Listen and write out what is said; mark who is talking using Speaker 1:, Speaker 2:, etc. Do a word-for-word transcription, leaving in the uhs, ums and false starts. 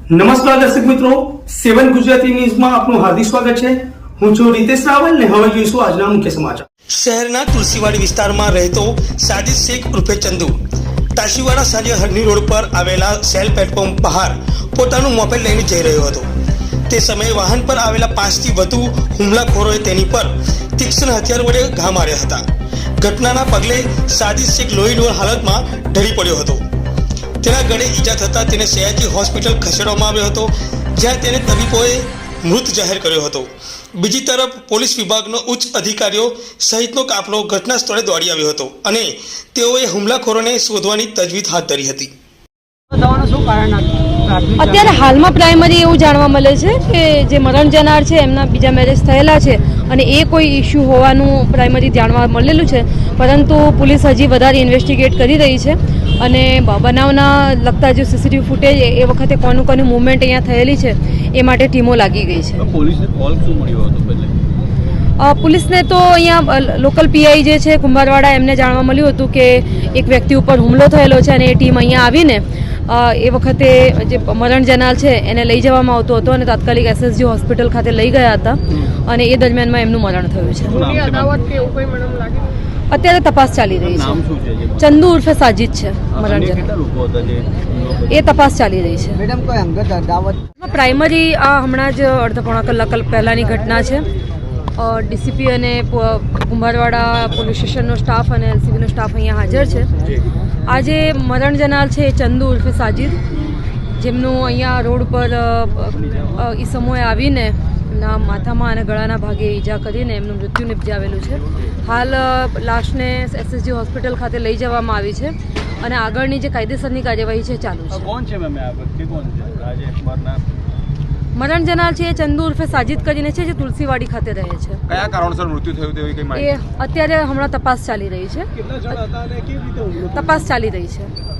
Speaker 1: નમસ્કાર દર્શક મિત્રો, સેવન ગુજરાતી ન્યૂઝમાં આપનું હાર્દિક સ્વાગત છે। હું છું રીતેશ રાવલ ને હવે જોઈશું આજના મુખ્ય સમાચાર। શહેરના તુલસીવાડી વિસ્તારમાં રહેતો સાજિદ શેખ ઉર્ફે ચંદુ તાશીવાડા સાંજે હરની રોડ પર આવેલા સેલ પ્લેટફોર્મ બહાર પોતાનું મોપેડ લઈને જઈ રહ્યો હતો। તે સમયે વાહન પર આવેલા પાંચથી વધુ હુમલાખોરોએ તેની પર તીક્ષ્ણ હથિયાર વડે ઘા માર્યા હતા। ઘટનાના પગલે સાજિદ શેખ લોહીલુહાણ હાલતમાં ઢળી પડ્યો હતો। તેના ગળે ઈજા થતાં તેને સયાજી હોસ્પિટલ ખસેડવામાં આવ્યો હતો, જ્યાં તેને તબીબોએ મૃત જાહેર કર્યો હતો। બીજી તરફ પોલીસ વિભાગનો ઉચ્ચ અધિકારીઓ સહિતનો કાફલો ઘટના સ્થળે દોડી આવ્યો હતો અને તેઓએ હુમલાખોરોને શોધવાની તજવીજ હાથ ધરી હતી।
Speaker 2: અત્યારે હાલમાં પ્રાઇમરી એવું જાણવા મળે છે કે જે મરણ જનાર છે એમના બીજા મેરેજ થયેલા છે અને એ કોઈ ઇસ્યુ હોવાનું પ્રાઇમરી જાણવા મળેલું છે, પરંતુ પોલીસ હજી વધારે ઇન્વેસ્ટિગેટ કરી રહી છે અને બનાવના લગતા જે સીસીટીવી ફૂટેજ એ વખતે કોનું કોનું મૂવમેન્ટ અહીંયા થયેલી છે એ માટે ટીમો લાગી ગઈ છે।
Speaker 3: પોલીસને કોલ શું મળ્યો હતો પહેલે?
Speaker 2: પોલીસને તો અહીંયા લોકલ પીઆઈ જે છે કુંભારવાડા એમને જાણવા મળ્યું હતું કે એક વ્યક્તિ ઉપર હુમલો થયેલો છે અને એ ટીમ અહીંયા આવીને એ વખતે જે મરણ જનાર છે એને લઈ જવામાં આવતો હતો અને તાત્કાલિક એસએસજી હોસ્પિટલ ખાતે લઈ ગયા હતા અને એ દરમિયાનમાં એમનું મરણ થયું છે। અત્યારે તપાસ ચાલી રહી છે। ચંદુ ઉર્ફે સાજિદ છે મરણ જનાર, એ તપાસ ચાલી રહી છે। પ્રાઇમરી આ હમણાં જ અડધા પોણા કલાક પહેલાંની ઘટના છે। ડીસીપી અને કુંભારવાડા પોલીસ સ્ટેશનનો સ્ટાફ અને એલસીબીનો સ્ટાફ અહીંયા હાજર છે। આજે મરણ જનાર છે એ ચંદુ ઉર્ફે સાજિદ, જેમનું અહીંયા રોડ પર ઈસમોએ આવીને ના માથામાં અને ગળાના ભાગે ઈજા કરીને એમનું મૃત્યુ નિપજાવેલું છે। હાલ લાશને એસએસજી હોસ્પિટલ ખાતે લઈ જવામાં આવી છે અને આગળની જે કાયદેસરની કાર્યવાહી છે ચાલુ છે।
Speaker 3: કોણ છે મેમ આ વ્યક્તિ કોણ છે? આજે મરનાર
Speaker 2: મરણ જનાર છે એ ચંદુ ઉર્ફે સાજિદ કરીને છે, જે તુલસીવાડી ખાતે રહે છે।
Speaker 3: કયા કારણસર મૃત્યુ થયું તેવી કઈ માહિતી?
Speaker 2: એ અત્યારે હમણાં તપાસ ચાલી રહી છે, તપાસ ચાલી રહી છે।